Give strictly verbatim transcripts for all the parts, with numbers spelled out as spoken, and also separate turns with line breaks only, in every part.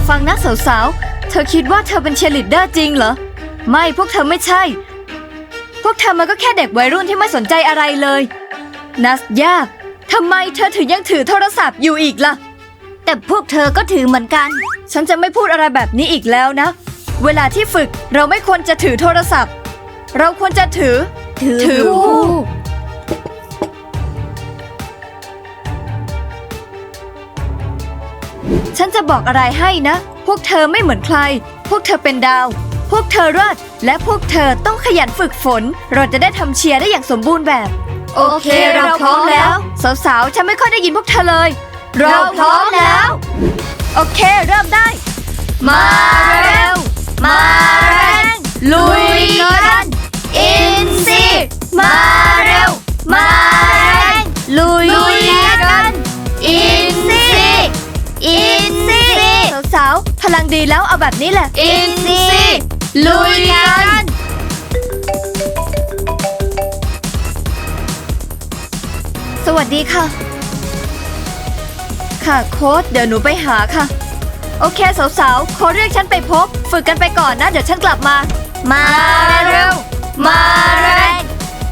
ฟังนะสาวๆเธอคิดว่าเธอเป็นเชียร์ลีดเดอร์จริงเหรอไม่พวกเธอไม่ใช่พวกเธอมันก็แค่เด็กวัยรุ่นที่ไม่สนใจอะไรเลยนัสยาทำไมเธอถึงยังถือโทรศัพท์อยู่อีกล่ะแต่พวกเธอก็ถือเหมือนกันฉันจะไม่พูดอะไรแบบนี้อีกแล้วนะเวลาที่ฝึกเราไม่ควรจะถือโทรศัพท์เราควรจะถือถือผู้ฉันจะบอกอะไรให้นะพวกเธอไม่เหมือนใครพวกเธอเป็นดาวพวกเธอรอดและพวกเธอต้องขยันฝึกฝนเราจะได้ทำเชียร์ได้อย่างสมบูรณ์แบบโอเคเราพร้อมแล้วสาวๆฉันไม่ค่อยได้ยินพวกเธอเลยเราพร้อมแล้วโอเคเริ่มได้มาเร็วมาแรงลุยกันอินซีมาเร็วมาแรงลุยกันอินซีอินซีสาวๆพลังดีแล้วเอาแบบนี้แหละอินซีลุยกันสวัสดีค่ะค่ะโค้ชเดี๋ยวหนูไปหาค่ะโอเคสาวๆเขาเรียกฉันไปพบฝึกกันไปก่อนนะเดี๋ยวฉันกลับมามาเร็วมาแรง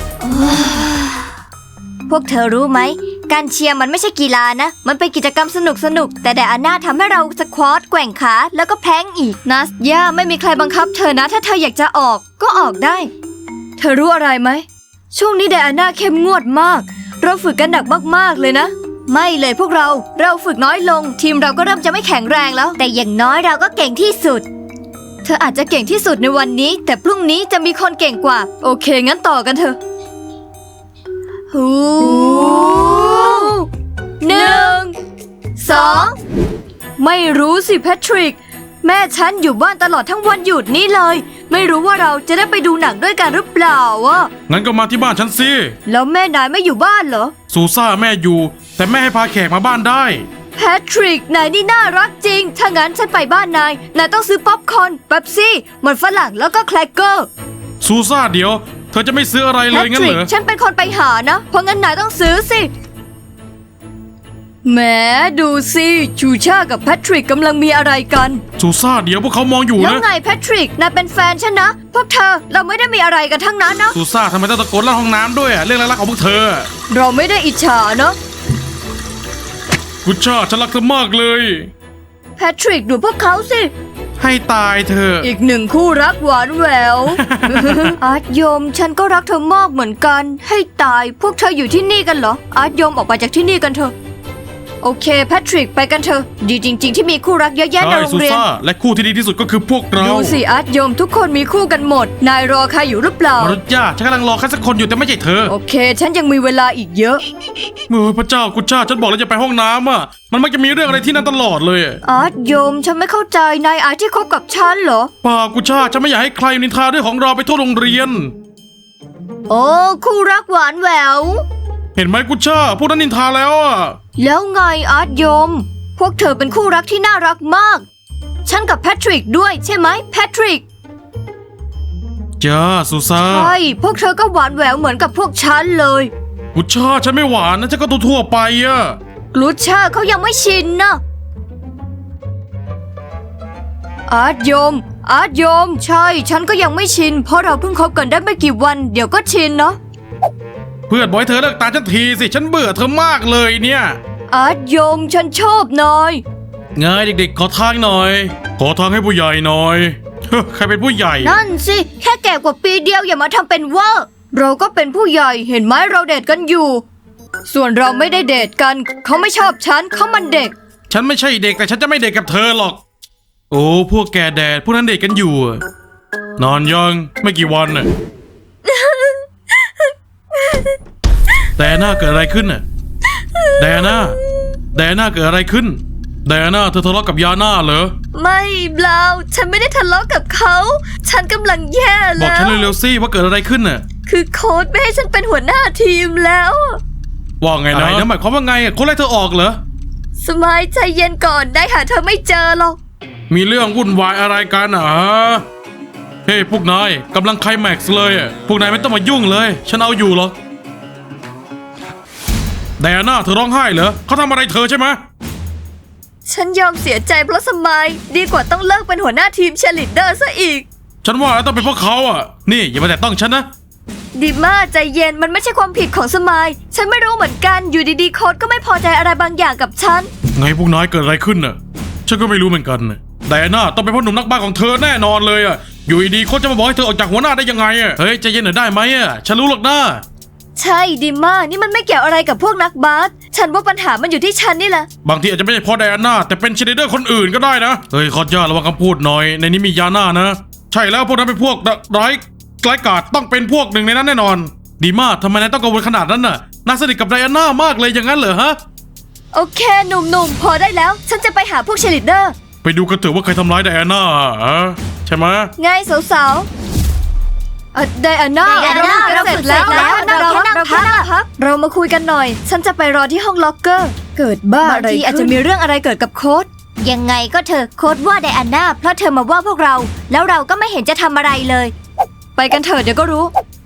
พวกเธอรู้ไหมการเชียร์มันไม่ใช่กีฬานะมันเป็นกิจกรรมสนุกสนุกแต่ไดอาน่าทำให้เราสควอตแกว่งขาแล้วก็แพลงอีกนัสย่าไม่มีใครบังคับเธอนะถ้าเธออยากจะออกก็ออกได้เธอรู้อะไรไหมช่วงนี้ไดอาน่าเข้มงวดมากเราฝึกกันหนักมากๆเลยนะไม่เลยพวกเราเราฝึกน้อยลงทีมเราก็เริ่มจะไม่แข็งแรงแล้วแต่อย่างน้อยเราก็เก่งที่สุดเธออาจจะเก่งที่สุดในวันนี้แต่พรุ่งนี้จะมีคนเก่งกว่าโอเคงั้นต่อกันเถอะฮูหนึ่งสองไม่รู้สิแพทริกแม่ฉันอยู่บ้านตลอดทั้งวันหยุดนี้เลยไม่รู้ว่าเราจะได้ไปดูหนังด้วยกันหรือเปล่าวะ
งั้นก็มาที่บ้านฉันสิ
แล้วแม่นายไม่อยู่บ้านเหรอ
ซูซ่าแม่อยู่แต่แม่ให้พาแขกมาบ้านได้
แพทริกนายนี่น่ารักจริงถ้างั้นฉันไปบ้านนายนายต้องซื้อป๊อปคอร์นเป๊ปซี่มันฝรั่งแล้วก็แครกเกอร์
ซูซ่าเดี๋ยวเธอจะไม่ซื้ออะไรเลยงั้นเหรอ
ฉันเป็นคนไปหานะเพราะงั้นนายต้องซื้อสิแหมดูสิชูชากับแพทริกกำลังมีอะไรกัน
ซูซ่าเดี๋ยวพวกเขามองอยู่นะ
แล้วไงแพทริกนายเป็นแฟนฉันนะพวกเธอเราไม่ได้มีอะไรกันทั้งนั้นนะ
ซูซ่าทำไมต้องตะโกนลั่นห้องน้ำด้วยอะเรื่องรักๆของพวกเธอ
เราไม่ได้อิจฉาเนาะ
กุชชาฉันรักเธอมากเลย
แพทริกดูพวกเขาสิ
ให้ตายเธอ
อีกหนึ่งคู่รักหวานแหวว อาร์ตโยมฉันก็รักเธอมากเหมือนกันให้ตายพวกเธออยู่ที่นี่กันเหรออาร์ตโยมออกไปจากที่นี่กันเถอะโอเคแพทริกไปกันเถอะดีจริงๆที่มีคู่รักเยอะแยะในโรงเรียน
และคู่ที่ดีที่สุดก็คือพวกเรา
ดูสิอาร์ตโยมทุกคนมีคู่กันหมดนายรอใครอยู่หรือเปล่าม
รุษย่าฉันกำลังรอใครสักคนอยู่แต่ไม่ใช่เธอ
โอเคฉันยังมีเวลาอีกเยอะ
เมื่อพระเจ้ากุชชาฉันบอกแล้วจะไปห้องน้ำอ่ะมันมักจะมีเรื่องอะไรที่นั่นตลอดเลย
อาร์ตโยมฉันไม่เข้าใจนายอาร์ตที่คบกับฉันเหรอ
ป่ากุชชาฉันไม่อยากให้ใครนินทาเรื่องของเราไปทั่วโรงเรียน
โอ้คู่รักหวานแหวว
เห็นไหมกุชชาพวกนั้นนินทาแล้วอ่ะ
แล้วไงอาร์ตโยมพวกเธอเป็นคู่รักที่น่ารักมากฉันกับแพทริกด้วยใช่ไหมแพทริก
จ้าซูซ่า
ใช่พวกเธอก็หวานแหววเหมือนกับพวกฉันเลย
กุชชาฉันไม่หวานนะฉันก็ตัวทั่วไปอ่ะ
กุชชาเขายังไม่ชินนะอาร์ตโยมอาร์ตโยมใช่ฉันก็ยังไม่ชินเพราะเราเพิ่งคบกันได้ไม่กี่วันเดี๋ยวก็ชินเนาะ
เพื่อนบอกให้เธอเลิกตามฉันทีสิฉันเบื่อเธอมากเลยเนี่ย
อาร์ตโยมฉันชอบนาย
ไงเด็กๆขอทางหน่อยขอทางให้ผู้ใหญ่หน่อยใครเป็นผู้ใหญ่
นั่นสิแค่แก่กว่าปีเดียวอย่ามาทำเป็นว่าเราก็เป็นผู้ใหญ่เห็นไหมเราเดทกันอยู่ส่วนเราไม่ได้เดทกันเขาไม่ชอบฉันเขามันเด็ก
ฉันไม่ใช่เด็กแต่ฉันจะไม่เด็กกับเธอหรอกโอ้พวกแกแดดพวกนั้นเด็กกันอยู่นอนยังไม่กี่วันน่ะแต่หน้าเกิดอะไรขึ้นน่ะแดน่าแดน่าเกิดอะไรขึ้นแดน่าเธอทะเลาะกับยาน่าเหรอ
ไม่เปล่าฉันไม่ได้ทะเลาะกับเขาฉันกำลังแย่แล้ว
บอกฉันเร็วๆสิว่าเกิดอะไรขึ้นน่ะ
คือโค้ชไม่ให้ฉันเป็นหัวหน้าทีมแล้ว
ว่าไงนะนั่นหมายความว่าไงโค้ชไล่เธอออกเหรอ
สมัยใจเย็นก่อนได้หาเธอไม่เจอหรอก
มีเรื่องวุ่นวายอะไรกันอ่ะเฮ้พวกนายกำลังไคลแม็กซ์เลยอ่ะพวกนายไม่ต้องมายุ่งเลยฉันเอาอยู่หรอกแดน่าเธอร้องไห้เหรอเขาทำอะไรเธอใช่ไหม
ฉันยอมเสียใจเพราะสมายดีกว่าต้องเลิกเป็นหัวหน้าทีมเชยร์ลีดเดอร์ซะอีก
ฉันว่าต้องเป็นพวกเขาอ่ะนี่อย่ามาแตะต้องฉันนะ
ดิม่าใจเย็นมันไม่ใช่ความผิดของสมายฉันไม่รู้เหมือนกันอยู่ดีๆโค้ดก็ไม่พอใจอะไรบางอย่างกับฉัน
ไงพวกนายเกิดอะไรขึ้นน่ะฉันก็ไม่รู้เหมือนกันน่ะแต่น่าต้องเป็นพ่อหนุ่มนักบ้าของเธอแน่นอนเลยอ่ะอยู่ดีๆโค้ชจะมาบอกให้เธอออกจากหัวหน้าได้ยังไงอ่ะเฮ้ยใจเย็นหน่อยได้ไหมอ่ะฉันรู้หรอกนะ
ใช่ดิม่านี่มันไม่เกี่ยวอะไรกับพวกนักบาสฉันว่าปัญหามันอยู่ที่ฉันนี่แหละ
บางทีอาจจะไม่ใช่เพราะไดอาน่าแต่เป็นเชยร์ลีดเดอร์คนอื่นก็ได้นะเฮ้ยคอสย่าระวังคำพูดหน่อยในนี้มียาน่านะใช่แล้วพวกนั้นเป็นพวกร้ายร้ายกาจต้องเป็นพวกหนึ่งในนั้นแน่นอนดีมากทำไมนายต้องกังวลขนาดนั้นน่ะน่าสนิทกับไดอาน่ามากเลยอย่างนั้นเหรอฮะ
โอเคหนุ่มๆพอได้แล้วฉันจะไปหาพวกเชยร์ลีดเดอร์
ไปดูกันเถอะว่าใครทำร้ายไดอาน่าฮะใช่ไหม
ไงสาวๆเอ่อไดอาน่า
ไดอาน่า
เราฝึกเสร็จแล้ว
เรา
เรา
แค่นั่ง
เราแค่นั่งพักเรามาคุยกันหน่อย ฉันจะไปรอที่ห้องล็อกเกอร์ เกิดบ้า
บาง
อะไร
ทีอาจ
ขึ้
จะ
น
มี
มีเรื่องอะไรเกิดกับโค้ด
ยังไงก็เธอโค้ดว่าไดอาน่าเพราะเธอมาว่าพวกเรา แล้วเราก็ไม่เห็นจะทำอะไรเลย
ไปกันเถอะเดี๋ยวก็รู้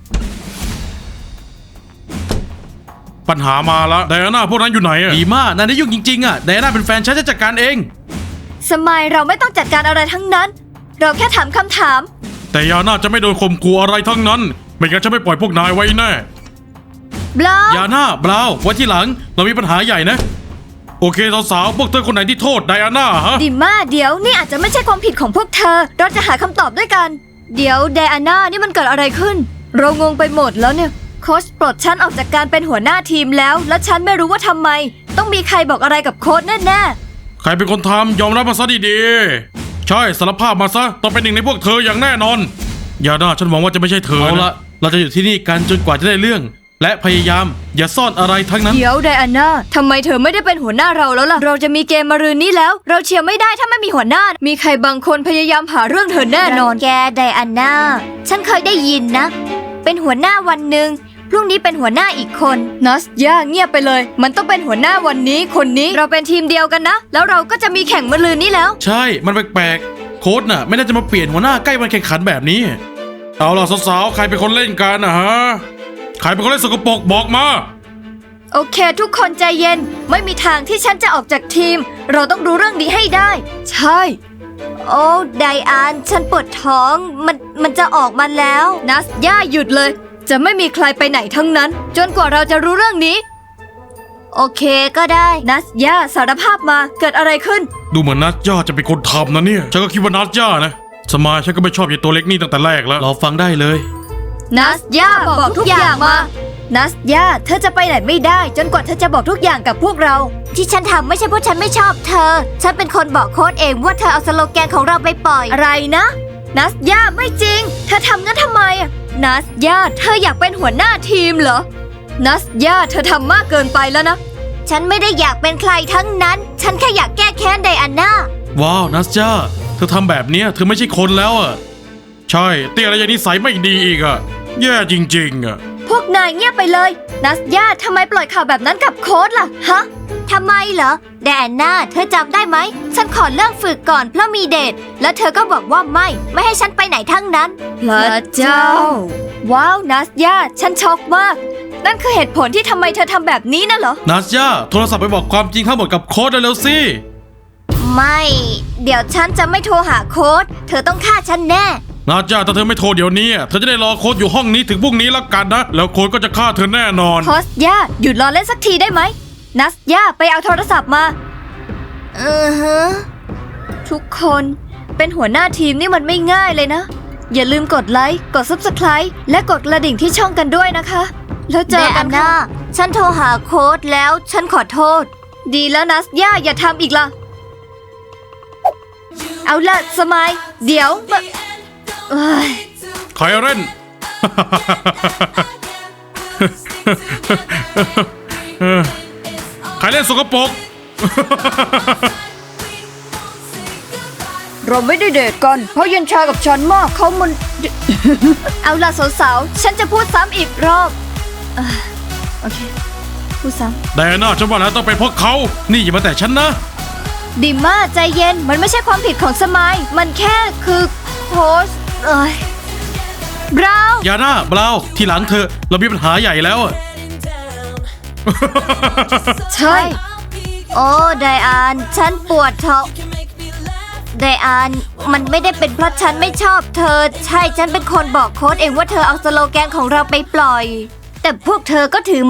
ปัญหามาละไดอาน่าพวกนั้นอยู่ไหนอะดีมากนายได้ยุ่งจริงๆอะไดอาน่าเป็นแฟนฉันจะจัดการเอง
สมัยเราไม่ต้องจัดการอะไรทั้งนั้น เราแค่ถามคำถาม
แต่ยาน่าจะไม่โดนข่มขู่อะไรทั้งนั้นไม่งั้นฉันไม่ปล่อยพวกนายไว้แน่
บลา
ยาน่าบราวไว้ที่หลังเรามีปัญหาใหญ่นะโอเคสาวๆพวกเธอคนไหนที่โทษไดอาน่าฮะ
ดิม่าเดี๋ยวนี่อาจจะไม่ใช่ความผิดของพวกเธอ เราจะหาคำตอบด้วยกัน เดี๋ยวไดอาน่านี่มันเกิดอะไรขึ้น เรางงไปหมดแล้วเนี่ยโค้ชปลดฉันออกจากการเป็นหัวหน้าทีมแล้ว และฉันไม่รู้ว่าทำไม ต้องมีใครบอกอะไรกับโค้ชแน่ๆ
ใครเป็นคนทำยอมรับมาซะดีๆใช่สารภาพมาซะต้องเป็นหนึ่งในพวกเธออย่างแน่นอนยาน่าฉันหวังว่าจะไม่ใช่เธอเอาละเราจะอยู่ที่นี่กันจนกว่าจะได้เรื่อง และพยายามอย่าซ่อนอะไรทั้งนั้น
เดี๋ยวไดอาน่าทำไมเธอไม่ได้เป็นหัวหน้าเราแล้วล่ะ เราจะมีเกมมะรืนนี้แล้ว เราเชียร์ไม่ได้ถ้าไม่มีหัวหน้า มีใครบางคนพยายามหาเรื่องเธอแน่นอน
แกไดอาน่าฉันเคยได้ยินนะ เป็นหัวหน้าวันหนึ่งพรุ่งนี้เป็นหัวหน้าอีกคน
นัสย่าเงียบไปเลย มันต้องเป็นหัวหน้าวันนี้คนนี้เราเป็นทีมเดียวกันนะ แล้วเราก็จะมีแข่งมะรืนนี้แล้ว
ใช่มันแปลกๆโค้ชน่ะไม่น่าจะมาเปลี่ยนหัวหน้าใกล้วันแข่งขันแบบนี้เอาล่ะสาวๆใครเป็นคนเล่นกันนะฮะใครเป็นคนเล่นสกปรกบอกมา
โอเค ทุกคนใจเย็น ไม่มีทางที่ฉันจะออกจากทีม เราต้องรู้เรื่องนี้ให้ได้ ใช่
โอ้ไดอานฉันปวดท้องมันมันจะออกมาแล้ว
นัสย่าหยุดเลย จะไม่มีใครไปไหนทั้งนั้น จนกว่าเราจะรู้เรื่องนี้
โอเคก็ได้
นัสย่าสารภาพมาเกิดอะไรขึ้น
ดูเหมือนนัทย่าจะเป็นคนทำนะเนี่ยฉันก็คิดว่านัทย่านะสมายฉันก็ไม่ชอบยายตัวเล็กนี่ตั้งแต่แรกแล้วเราฟังได้เลย
นัสย่าบอกทุกอย่างมา นัสย่าเธอจะไปไหนไม่ได้ จนกว่าเธอจะบอกทุกอย่างกับพวกเรา
ที่ฉันทำไม่ใช่เพราะฉันไม่ชอบเธอ ฉันเป็นคนบอกโค้ดเองว่าเธอเอาสโลแกนของเราไปปล่อย
อะไรนะ นัสย่าไม่จริง เธอทำงั้นทำไมอะนัสย่าเธออยากเป็นหัวหน้าทีมเหรอ นัสย่าเธอทำมากเกินไปแล้วนะ
ฉันไม่ได้อยากเป็นใครทั้งนั้น ฉันแค่อยากแก้แค้นไดอาน่า
ว้าวนัทย่าเธอทำแบบเนี้ยเธอไม่ใช่คนแล้วอ่ะใช่เตี้ยอะไรอย่างนิสัยไม่ดีอีกอ่ะแย่จริงๆอ่ะ
พวกนายเงียบไปเลย นัสย่าทำไมปล่อยข่าวแบบนั้นกับโค้ดล่ะ ฮะ
ทำไมเหรอไดอาน่าเธอจำได้ไหม ฉันขอเลิกฝึกก่อนเพราะมีเดท แล้วเธอก็บอกว่าไม่ ไม่ให้ฉันไปไหนทั้งนั้น
พระเจ้า ว้าว นัสย่าฉันช็อกมาก นั่นคือเหตุผลที่ทำไมเธอทำแบบนี้น่ะเหรอ
นัทย่าโทรศัพท์ไปบอกความจริงทั้งหมดกับโค้ดเร็วๆสิ
ไม่ เดี๋ยวฉันจะไม่โทรหาโค้ด เธอต้องฆ่าฉันแน่
นัทย่าถ้าเธอไม่โทรเดี๋ยวนี้อะเธอจะได้รอโค้ดอยู่ห้องนี้ถึงพรุ่งนี้แล้วกันนะแล้วโค้ดก็จะฆ่าเธอแน่นอน
พอสย่าหยุดรอเล่นสักทีได้ไหม นัสย่าไปเอาโทรศัพท์มา
อือฮะ
ทุกคนเป็นหัวหน้าทีมนี่มันไม่ง่ายเลยนะ อย่าลืมกดไลค์ กด ซับสไครบ์ และกดกระดิ่งที่ช่องกันด้วยนะคะ แล้วเจ
ได
อกั
อาน
ค่ะ
น่าฉันโทรหาโค้ดแล้ว ฉันขอโทษ
ดีแล้วนัสย่าอย่าทำอีกล่ะ เอาละสมัย เดี๋ยวมาเอ้ย
ใครเล่น ใครเล่นสกปรก
เราไม่ได้เดทกัน เพราะเย็นชากับฉันมากเขามัน เอาล่ะสาวๆ ฉันจะพูดซ้ำอีกรอบเอ่อโอเค พูดซ้
ไดอาน่าฉันว่าแล้วต้องเป็นพวกเขา นี่อย่ามาแต่ฉันนะ
ำดิม่าใจเย็น มันไม่ใช่ความผิดของสมัย มันแค่คือโพสต์เอ้ยบราวน์
ยาน่าบราวทีหลังเธอเรามีปัญหาใหญ่แล้วอะ
ใช่
ไโอ้ไดอานฉันปวดท้องไดอานมันไม่ได้เป็นเพราะฉันไม่ชอบเธอ ใช่ฉันเป็นคนบอกโค้ดเองว่าเธอเอาสโลแกนของเราไปปล่อย แต่พวกเธอก็ถือ